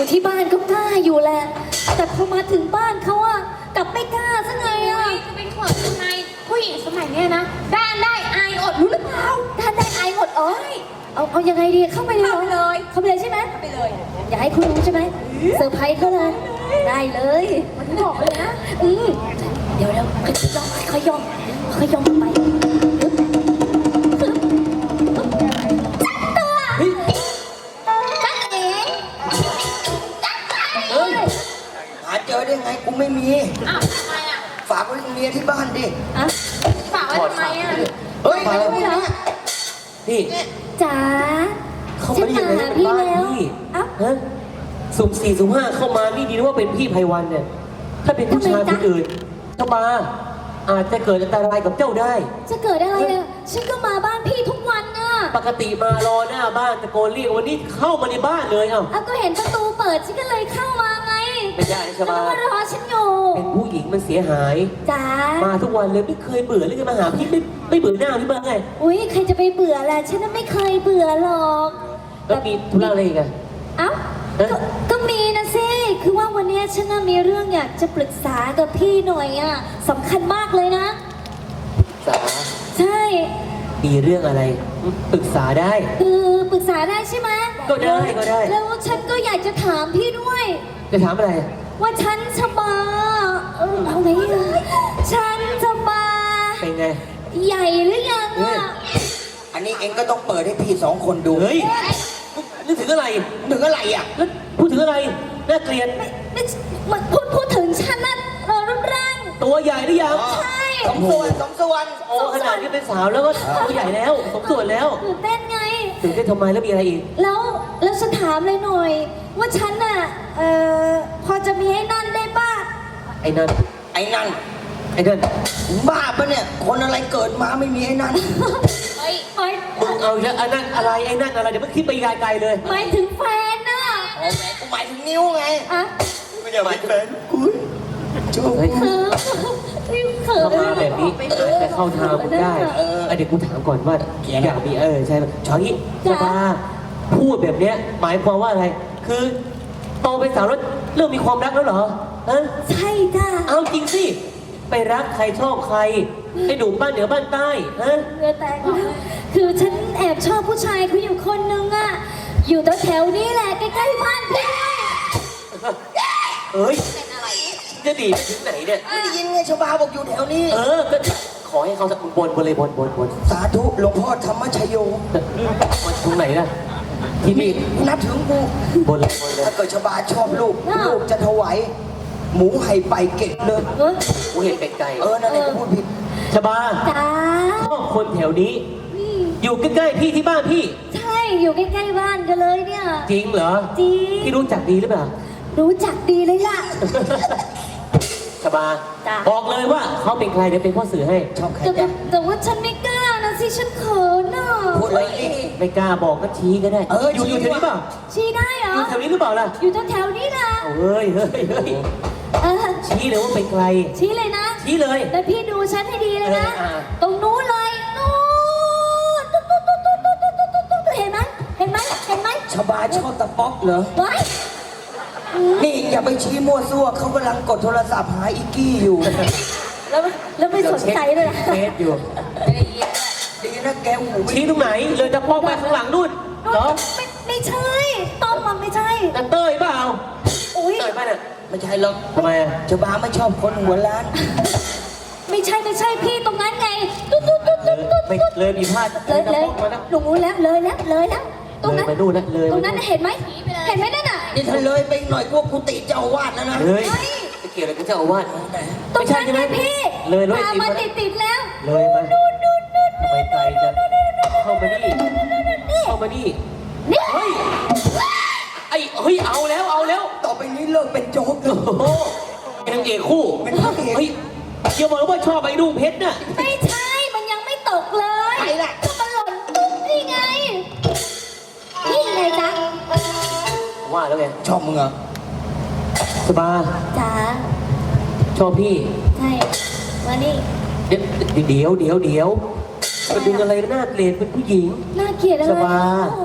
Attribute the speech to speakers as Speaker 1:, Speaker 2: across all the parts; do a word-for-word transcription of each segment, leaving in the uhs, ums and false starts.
Speaker 1: อยู่ที่บ้านก็กล้าอยู่แหละแต่พอมาถึงบ้านเขาอะกลับไม่กล้าซะไงอะ
Speaker 2: จะเป็นเขินทำไมผู้หญิงสมัยเนี้ยนะด้านได้อายอดรู้หรือเปล่า
Speaker 1: ท่านได้อายหมดเอ้ยเอาเอายังไงดีเข้าไปเลยหรอ
Speaker 2: เข้าไปเลย
Speaker 1: เข้าไปเลยใช่ไหม
Speaker 2: ไปเลย
Speaker 1: อย่าให้คุณรู้ใช่ไหมเซอร์ไพรส์เขาเลยได้เลยมันบอกเลยนะอืมเดี๋ยวเดี๋ยวค่อยย่องค่อยย่องค่อยย่องไปจักเอ๋
Speaker 3: เฮ้ยหาเจอได้ไงกูไม่มี
Speaker 2: อ้าวทำไมอ่ะ
Speaker 3: ฝากไว้กับเมียที่บ้านดิ
Speaker 1: อะ
Speaker 2: ฝากไว้ทำไมอ่ะ
Speaker 3: เฮ้ย
Speaker 1: ไป
Speaker 3: อะไร
Speaker 1: ไม่
Speaker 3: พวก
Speaker 1: เหรอ
Speaker 3: เนี้ย
Speaker 4: พี่
Speaker 1: จ๋า
Speaker 4: เข้ามาได้ยังไง
Speaker 1: ฉัน
Speaker 4: เป็นบ้าน
Speaker 1: แล้ว
Speaker 4: พี่
Speaker 1: เอ้า
Speaker 4: ฮะสุ่มสี่สุ่มห้าเข้ามานี่ดีนะว่าเป็นพี่ไพวันเนี่ย ถ้าเป็นผู้ชายคนอื่นเข้ามาอาจจะเกิดอันตรายกับเจ้าได้
Speaker 1: จะเกิดอะไรเนี่ยฉันก็มาบ้านพี่ทุกวันน่ะ
Speaker 4: ปกติมารอหน้าบ้านตะโกนเรียกวันนี้เข้ามาในบ้านเลยเอ้า
Speaker 1: อ่ะก็เห็นประตูเปิดฉันก็เลยเข้ามาไง
Speaker 4: ไม่ได้นะช
Speaker 1: ก็
Speaker 4: บา
Speaker 1: ต้องมารอฉันอยู่
Speaker 4: เป็นผู้หญิงมันเสียหาย
Speaker 1: จ๋า
Speaker 4: มาทุกวันเลยไม่เคยเบื่อเลยจะมาหาพี่ไม่ไม่เบื่อหน้าพี่บ้างไง
Speaker 1: อุ้ยใครจะไปเบื่อล่ะฉันน่ะไม่เคยเบื่อหรอก
Speaker 4: แล้วมีธุระอะไรอีกอะ
Speaker 1: เอ้า
Speaker 4: เอ๊ะ
Speaker 1: ก็ก็มีนะสิคือว่าวันเนี้ยฉันน่ะมีเรื่องอยากจะปรึกษากับพี่หน่อยอ่ะสำคัญมากเลยนะ
Speaker 4: สา
Speaker 1: ใช่
Speaker 4: มีเรื่องอะไรปรึกษาได้
Speaker 1: คือปรึกษาได้ใช่ไหม
Speaker 4: ก็ได้ก็ได้
Speaker 1: แล้วฉันก็อยากจะถามพี่ด้วย
Speaker 4: จะถามอะไร
Speaker 1: ว่าฉันชบาเออเอาไงอ่ะฉันชบา
Speaker 4: เป็นไง
Speaker 1: ใหญ่หรือยัง
Speaker 4: เฮ้ย
Speaker 1: อ่ะ
Speaker 3: อันนี้เองก็ต้องเปิดให้พี่สองคนดู
Speaker 4: เฮ้ยนึกถึงอะไร
Speaker 3: ถึงอะไรอ่ะ
Speaker 4: แล้วพูดถึงอะไรน่าเกลียด
Speaker 1: ไม่ไม่มันพูดพูดถึงฉันนะเออรูปร่าง
Speaker 4: ตัวใหญ่หรือยัง
Speaker 1: ใช่
Speaker 3: สมส่วนสมส่วน
Speaker 4: โอ้ขนาดนี้เป็นสาวแล้วก็ตัวใหญ่แล้วสมส่วนแล้ว
Speaker 1: ตื่นเต้นไง
Speaker 4: ตื่นเต้นทำไมแล้วมีอะไรอีก
Speaker 1: แล้วแล้วฉันถามเลยหน่อย ว่าฉันน่ะเอ่อพอจะมีไอ้นั่นได้ป่ะ
Speaker 4: ไอ้นั่น
Speaker 3: ไอ้นั่น
Speaker 4: ไอ้นั่น
Speaker 3: บ้าปะเนี่ย คนอะไรเกิดมาไม่มีไอ้นั่น
Speaker 2: เฮ้ย
Speaker 1: หมาย
Speaker 4: มึงเอาอีกแล้วไอ้นั่นอะไรไอ้นั่นอะไรเดี๋ยวมันคิดไปไกลๆเลย
Speaker 1: หมายถึงแฟนน่ะ
Speaker 3: อ๋อแหมกูหมายถึงนิ้วไง
Speaker 1: อะ
Speaker 3: ไม่ใช่หมายถึงแฟนกูโจ้
Speaker 4: เฮ้ย
Speaker 1: เขินเขิน
Speaker 4: เข้ามาแบบนี้แต่เข้าทางมึงได้เออเดี๋ยวกูถามก่อนว่าอยากมีเออใช่ไหมชอยสบาพูดแบบเนี้ยหมายความว่าอะไร คือโตเป็นสาวแล้วเริ่มมีความรักแล้วเหรอฮะ
Speaker 1: ใช่จ้ะ
Speaker 4: เอาจริงสิ ไปรักใครชอบใครไอ้หนุ่มบ้านเหนือบ้านใต้ฮะ
Speaker 1: เรือแตกแล้วคือฉันแอบชอบผู้ชายเขาอยู่คนนึงอะอยู่แถวๆนี้แหละใกล้ๆบ้านพี่
Speaker 4: เอ้ย
Speaker 2: เป็นอะไร
Speaker 4: จะดีไปถึงไหนเนี่ย
Speaker 3: ไม่ได้ยินไงชาวบ้านบอกอยู่แถวนี้
Speaker 4: เออ ก็ขอให้เขาสักบนบนเลยบนบนบน
Speaker 3: สาธุหลวงพ่อธรรมชโย
Speaker 4: มันตรงไหนล่ะ ที่นี่
Speaker 3: นับถึงกู
Speaker 4: บนเลยบนเลย
Speaker 3: ถ้าเกิดชาวบ้านชอบลูก ลูกจะถวายหมูไห่ไปเก็บเลย
Speaker 1: เออ
Speaker 4: กูเห็นเป็ดไก่
Speaker 3: เออ นั่นเองกูพูดผิด
Speaker 4: ชบา
Speaker 1: จ้า
Speaker 4: ชอบคนแถวนี้
Speaker 1: อืม
Speaker 4: อยู่ใกล้ๆพี่ที่บ้านพี่
Speaker 1: ใช่อยู่ใกล้ๆบ้านกันเลยเนี่ย
Speaker 4: จริงเหรอ
Speaker 1: จริง
Speaker 4: พี่รู้จักดีหรือเปล่า
Speaker 1: รู้จักดีเลยล่ะ
Speaker 4: ชบา
Speaker 1: จ้ะ
Speaker 4: บอกเลยว่าเขาเป็นใครเดี๋ยวเป็นพ่อสื่อให้
Speaker 3: ชอบใคร
Speaker 1: แต่
Speaker 3: จ๊ะ
Speaker 1: แต่ว่าฉันไม่กล้านะสิฉันเขินอ่ะ
Speaker 3: พูดเลยดิ
Speaker 4: ไม่กล้าบอกก็ชี้ก็ได้
Speaker 3: เออ
Speaker 4: อยู่
Speaker 3: ชี้
Speaker 4: อยู่แถวนี้เปล่า
Speaker 1: ชี้ได้เหร
Speaker 4: อ
Speaker 1: อยู่
Speaker 4: แถวนี้หรือเปล่าล่ะ
Speaker 1: อยู่แถวๆนี้นะ
Speaker 4: เอาเฮ้ยเฮ้ยเฮ้ย
Speaker 1: เออ
Speaker 4: ชี้เลยว่าเป็นใคร
Speaker 1: ชี้เลยนะ
Speaker 4: ชี้เลย
Speaker 1: แล้วพี่ดูฉันให้ดีเลยนะ
Speaker 4: เอออ่า
Speaker 1: ตรงนู้นเลยนู้นตุ๊ดตุ๊ดตุ๊ดตุ๊ดตุ๊ดตุ๊ดตุ๊ดตุ๊ดเห็นไหมเห็นไหมเห็นไหม
Speaker 3: ชาวบ้านชอบตะป๊อกเหรอ
Speaker 1: ไว้อืม
Speaker 3: นี่อย่าไปชี้มั่วซั่วเขากำลังกดโทรศัพท์หาอีกกี้อยู่
Speaker 1: แล้วแล้วไม่สนใจเลยนะ
Speaker 4: เฟซอยู่
Speaker 2: ไม่ได้ยิน
Speaker 3: ดีนะแกหูไม่
Speaker 4: ชี้ตรงไหน เลยจะป้องไปข้างหลังนู่นเหรอ
Speaker 1: ไม่ไม่ใช่ต้อมมันไม่ใช่
Speaker 4: นั่นเต้ยเปล่า
Speaker 1: อุ้ย
Speaker 4: เต้ยป่ะเนี่ย
Speaker 3: ไม่ใช่หรอก
Speaker 4: ทำไมอ่ะ
Speaker 3: ชาวบ้านไม่ชอบคนหัวล้าน
Speaker 1: ไม่ใช่ไม่ใช่พี่ตรงนั้นไงตุ๊ดตุ๊ดตุ๊ดตุ๊ดตุ๊ด
Speaker 4: ไม่
Speaker 1: ตุ๊ด
Speaker 4: เลยมีพลาด
Speaker 1: เลย
Speaker 4: จะ
Speaker 1: เลย
Speaker 4: ป้องมาแล้ว
Speaker 1: หนูรู้แล้วเลยแล้วเลยแล้วตรงนั้น
Speaker 4: เลยไปนู่นนะเลย
Speaker 1: ตรงนั้น
Speaker 4: ไปนู่น
Speaker 1: เห็นไหมเห็นไหมนั่นน่ะ
Speaker 3: นี่ถ้าเลยไปหน่อยพวกกูติเจ้าอาวาดแล้วนะ
Speaker 4: เฮ้ย
Speaker 1: เฮ้ย
Speaker 4: จะเกี่ยวอะไรกับเจ้าอาวาส
Speaker 1: ตรง
Speaker 4: ไม่ใช่
Speaker 1: นั้น
Speaker 4: ใช่ไห
Speaker 1: ไง
Speaker 4: ม
Speaker 1: พี่
Speaker 4: เลยเลย
Speaker 1: ตามมาติดติดๆแล้ว
Speaker 4: เลยมา
Speaker 1: นู่นนู่นนู่น
Speaker 4: ทำไมไกลจังเข้ามานี่เข้ามานี่
Speaker 1: นี่
Speaker 4: เฮ้ยไอ้เฮ้ยเอาแล้วเอาแล้ว
Speaker 3: ต่อไปนี้เลิกเป็นโจ๊กเล
Speaker 4: โอ้
Speaker 3: ย
Speaker 4: โหเป็นนางเอกคู่
Speaker 3: เป็นพระเอก
Speaker 4: เฮ้ยอย่าบอกว่าชอบไอ้ดุ้งเพชรน่ะ
Speaker 1: ไม่ใช่มันยังไม่ตกเลย
Speaker 3: ไหนล่ะ
Speaker 1: ก็มันหล่นนี่ไงนี่ไงจ๊ะ
Speaker 4: ว่าแล้วไง
Speaker 3: ชอบมึงเหรอ
Speaker 4: สบา
Speaker 1: จ๋า
Speaker 4: ชอบพี่
Speaker 1: ใช่มานี่
Speaker 4: เดี๋ยวเดี๋ยวเดี๋ยวเดี๋ยวมาดึงอะไรน่าเกลียดเป็นผู้หญิง
Speaker 1: น่าเกลียดอะไร
Speaker 4: สบา ค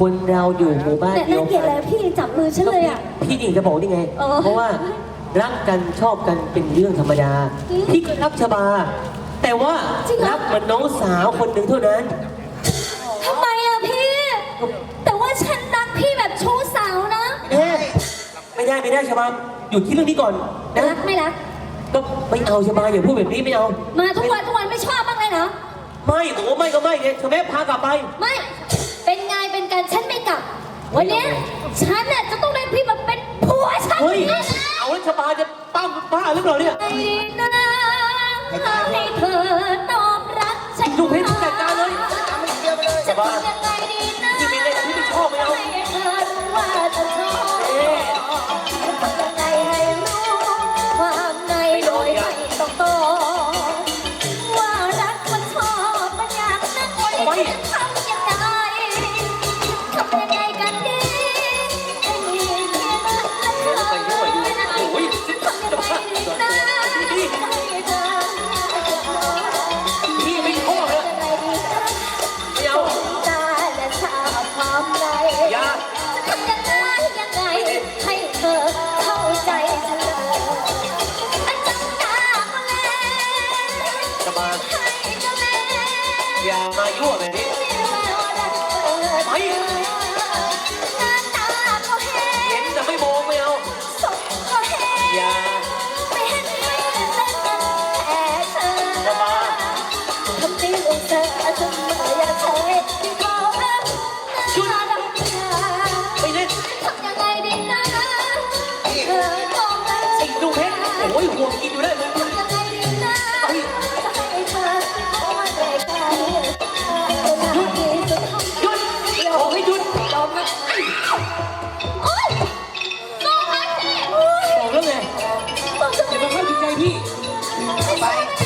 Speaker 4: คนเราอยู่หมู่บ้าน
Speaker 1: แต่
Speaker 4: เดีย
Speaker 1: น่าว เกลียด
Speaker 4: กั
Speaker 1: แล้ว
Speaker 4: น
Speaker 1: พี่จับมือฉันเลยอ่ะ
Speaker 4: พี่หญิงจะบอกได้ไง
Speaker 1: เออ
Speaker 4: เพราะว่ารักกันชอบกันเป็นเรื่องธรรมดา
Speaker 1: อืม
Speaker 4: พี่ก็รักชบา แต่ว่า
Speaker 1: จริงเหรอ
Speaker 4: รักเหมือนน้องสาวคนหนึ่งเท่านั้น
Speaker 1: ทำไมอ่ะพี่ แต่ว่าฉันรักพี่แบบชู้สาวนะ
Speaker 4: เอ๊ะไม่ได้ไม่ได้ชบาหยุดที่เรื่องนี้ก่อนนะ
Speaker 1: รักไม่รัก
Speaker 4: ก็ไม่เอาชบาอย่าพูดแบบนี้ไม่เอา
Speaker 1: มาทุกวันทุกวันไม่ชอบบ้างเลยเหรอ
Speaker 4: ไม่บอกว่าไม่ก็ไม่ไงชแม่พากลับไป
Speaker 1: ไม่ เป็นไงเป็นการฉันไม่กลับ วันเนี้ยฉันน่ะจะต้องได้พี่มาเป็นผัวฉัน
Speaker 4: เฮ้ย
Speaker 1: แน่
Speaker 4: เอาแล้วชบาจะปั้มบ้าหรือเปล่าเนี่ย
Speaker 1: ไอ้นะให้เธอตอบรักฉัน
Speaker 4: ดูเพชรจัดการเลย
Speaker 1: จะทำยังไงดีนะ
Speaker 4: ที่มีอะไรที่ไม่ชอบไม่เอา
Speaker 1: ให้เธอรู้ว่าจะชอบ
Speaker 4: เอ๊ะ
Speaker 1: ทำยังไงให้รู้ความในโดยไม่ต้องตอบว่ารักมันชอบมันอยากนั่งบน
Speaker 4: ไป
Speaker 1: ทำยังไงทำยังไงกันดีให้มีเพียงรักและเธอ
Speaker 4: ไปด้วยดูโอ้ย
Speaker 1: ทำยังไงดีนะให้เธอ
Speaker 4: พี่ไม่ชอบเลย
Speaker 1: ยังไงดีนะ
Speaker 4: ไม่เอา
Speaker 1: ตาและชาความใน
Speaker 4: อย่า
Speaker 1: จะทำยังไงยังไงให้เธอเข้าใจฉันเลยอันจังตามาแล้ว
Speaker 4: ชบา
Speaker 1: ให้เจ้าแม่
Speaker 4: อย่ามายั่วแบบนี้
Speaker 1: ที่เราดันเปิด
Speaker 4: ไป
Speaker 1: หน้าตาก็เห็
Speaker 4: เห็
Speaker 1: น
Speaker 4: นแต่ไม่มองไม่เอา
Speaker 1: สมก็เห็น
Speaker 4: อย่า
Speaker 1: ไม่เห็นไม่เห็นแต่กันแต่เธอ
Speaker 4: ชบา
Speaker 1: ทำดีอุตส่าห์จนเมื่ออยากเคยที่เขารักหน้าดำชา
Speaker 4: ไม่เล่น
Speaker 1: ทำยังไงดีนะเธอต้องรัก
Speaker 4: ไอ้ดูเพชรโอ้ยห่วงกินอยู่ได้มึง
Speaker 1: ทำยังไงดีนะจะให้เธอเข้ามาใกล้ๆเป็นหน้าที่สุดท้าย
Speaker 4: หยุดบอกให้หยุด
Speaker 1: ยอมนะโอ๊ยลงมาสิ
Speaker 4: บอกแล้วไง
Speaker 1: บอกจะ
Speaker 4: อย่า
Speaker 1: ไม่
Speaker 4: มาเข้าจิตใจพี่
Speaker 1: ไป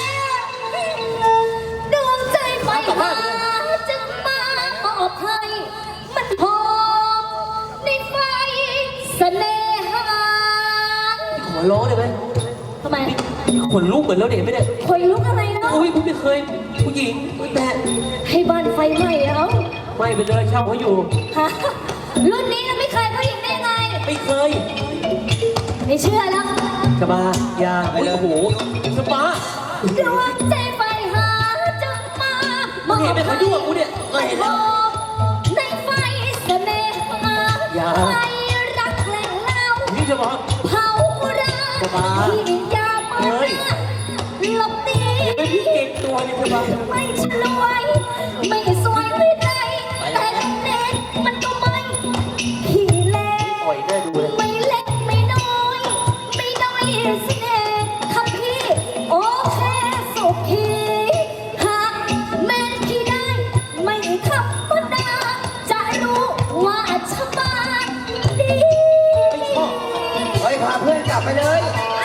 Speaker 1: ดวงใจไฟหาจึงมาปอบให้มันหอมในไฟเสน่หา
Speaker 4: ขอร้องได้ไหม
Speaker 1: ทำไม
Speaker 4: ขนลุกเหมือนแล้วเด็กไหมเนี่ย
Speaker 1: คอยลุกอะไรเนาะ
Speaker 4: โอ้ยผมไม่เคยผู้หญิงแต่
Speaker 1: ให้บ้านไฟไหม้แล้ว
Speaker 4: ไม่เป็นเลยเช่าเขาอยู่
Speaker 1: ฮะรุ่นนี้เราไม่เคยผู้หญิงได้ไง
Speaker 4: ไม่เคย
Speaker 1: ไม่เชื่อแล้ว
Speaker 4: ชบาอย่าโอ้โหชบา
Speaker 1: ดวงใจไฟหาจึงมา
Speaker 4: มึงเห็นไหมเขายั่วกูเนี่ยไม่เห็นแล้ว
Speaker 1: ในไฟเสน่หา
Speaker 4: อย่า
Speaker 1: ไฟรักแหล่งเล่า
Speaker 4: นี่ชบา
Speaker 1: เผารัก
Speaker 4: ชบา
Speaker 1: ที่ยามา
Speaker 4: เฮ้ย
Speaker 1: หลบหนี
Speaker 4: เห็นไหมพี่เก่งตัวเนี่ยชบา
Speaker 1: ไม่ฉลวย ไม่สวยไม่ได้แต่เน็ตมันก็ไม่ขี้เล่
Speaker 4: ปล่อยได้ดูเลย
Speaker 1: ไม่เล็กไม่น้อย ไม่น้อยเสน่ห์ครับพี่โอเคสุขีหากแม่นพี่ได้ ไม่ธรรมดาจะรู้ว่าชะบาดี
Speaker 3: เฮ้ย พาเพื่อนกลับไปเลย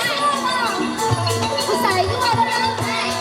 Speaker 1: ผู้ชายยั่วแล้วนะ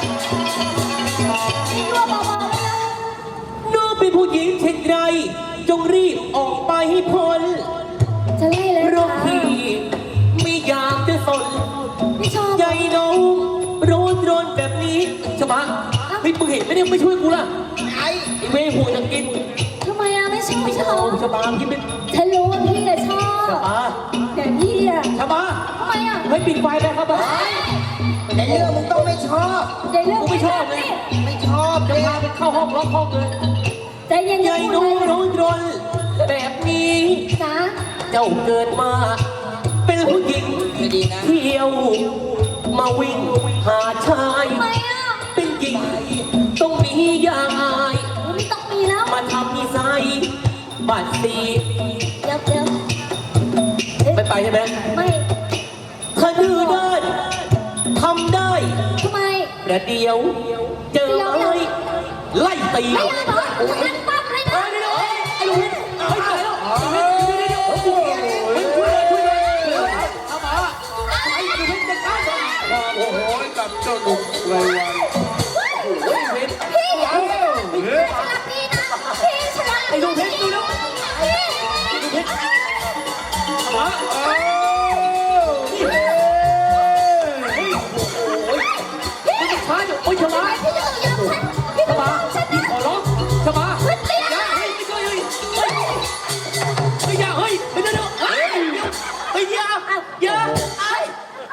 Speaker 1: ยั่วเบาๆแล้วนะ
Speaker 4: น้องเป็นผู้หญิงเช่นไร จงรีบออกไปให้พ้น
Speaker 1: จะไล่เลย
Speaker 4: เพราะ
Speaker 1: ค่ะ
Speaker 4: พี่ไม่อยากจะสน
Speaker 1: ไม่ชอบ
Speaker 4: ใจน้องร้อนร้อนแบบนี้ชบาเฮ้ยมึงเห็นไหมเนี่ยไม่ช่วยกูล่ะ
Speaker 3: ไอ้
Speaker 4: ไอ้เว้ยหัวจะกิน
Speaker 1: ทำไมอะไม่ชอบ
Speaker 4: ไม่
Speaker 1: ช
Speaker 4: เอา
Speaker 1: อบ
Speaker 4: ชบาพี่เป็น
Speaker 1: ฉันรู้ว่าพี่อะชอบ
Speaker 4: ชบา
Speaker 1: แต่พี่อะ
Speaker 4: ชบา
Speaker 1: ทำไมอะ
Speaker 4: เฮ้ยปิดไฟไปครับบ้า
Speaker 3: ในเรื่องมึงต้องไม่ชอบ
Speaker 1: ในเรื่อง
Speaker 4: กูไม่ชอบเลย
Speaker 3: ไม่ชอบ
Speaker 4: จะ
Speaker 3: เลย
Speaker 4: พาไปเข้าห้องล็อกห้องเลย
Speaker 1: ใจเย็น
Speaker 4: ให
Speaker 1: ๆ
Speaker 4: ญ่
Speaker 1: พูด
Speaker 4: น้อง
Speaker 1: เลย
Speaker 4: ร้อนร้อนแบบนี้
Speaker 1: จ้า
Speaker 4: เจ้าเกิดมา เป็นผู้หญิง
Speaker 3: ไม่ดีนะ
Speaker 4: เที่ยว มาวิ่งหาชาย
Speaker 1: ทำไมอะ
Speaker 4: เป็นหญิงต้องมีอย่างอาย
Speaker 1: ไม่ต้องมีแล้ว
Speaker 4: มาทำนิสัยบาดสี
Speaker 1: เดี๋ยวเดี๋ยวเอ๊ะ
Speaker 4: ไม่ไปใช่ไหม
Speaker 1: ไม่
Speaker 4: ถ้าดื้อด้านทำได้
Speaker 1: ทำไม
Speaker 4: แต่เดียว เจอไม้ไล่ตี
Speaker 1: ไม่เอาเหรองั้นปั๊บเลยนะ
Speaker 4: ไอ้ลูกนี่ไอ้ตายแล้วเดี๋ยวเดี๋ยวเดี๋ยวช่วยเลยช่วยเลยทำมาไอ้ลูกนี่จะตายแล้ว
Speaker 5: โอ้โหกับเจ้าหนุ่มไรวัน
Speaker 4: โอ้ยเพชร
Speaker 1: พี่อย่าพี่ฉลาดพี่นะพี่ฉลาด
Speaker 4: ไอ้ลูกเพชรดูแล้ว
Speaker 1: พี่
Speaker 4: ลูกเพชรทำมา
Speaker 5: เอ้า
Speaker 4: เฮ้ยโอ้ยมันช้าอยู่โอ้ยชะมา
Speaker 1: พี่จะยอมฉันพี่
Speaker 4: ชะ
Speaker 1: ต้องย
Speaker 4: มา
Speaker 1: อมฉันนะ
Speaker 4: ขอร้องชะมา
Speaker 1: เฮ้ยเตี้ย
Speaker 4: อย่าเฮ้ยไม่ช่วยเลยเฮ้ย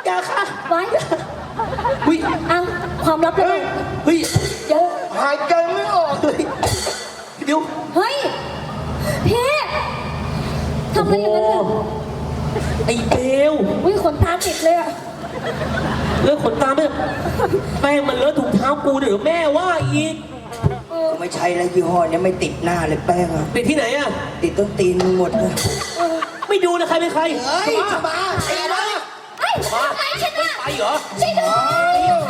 Speaker 4: อย่าค่ะ
Speaker 1: ไว้
Speaker 4: เฮ้ย
Speaker 1: เอาความลับเลย
Speaker 4: เฮ้ย
Speaker 1: เดี๋ยว
Speaker 3: หายใจไม่ออก
Speaker 4: เฮ้ยเดี๋ยว
Speaker 1: เฮ้ยพี่ทำอะไรอย่างนั้นเนี่ย
Speaker 4: ไอ้เบล
Speaker 1: อุ้ยขนตาติดเลยอะ
Speaker 4: เลิกขนตาไม่แป้งมันเลอะถุงเท้ากูเดี๋ยวแม่ว่าอีก
Speaker 1: เออ
Speaker 3: ไม่ใช่แล้วยี่ห้อเนี้ยไม่ติดหน้าเลยแป้งอะ
Speaker 4: ติดที่ไหนอ่ะ
Speaker 3: ติดต้นตีนมึงหมดเลย
Speaker 1: เออ
Speaker 4: ไม่ดูนะใครเป็นใคร
Speaker 3: เฮ้ย
Speaker 4: จะ
Speaker 3: จะ
Speaker 4: มา
Speaker 3: มาไอ้บ้า
Speaker 1: เฮ้ย
Speaker 4: มา
Speaker 1: ใครฉันอะ
Speaker 4: ไปเหรอ
Speaker 1: ช่วยด้วย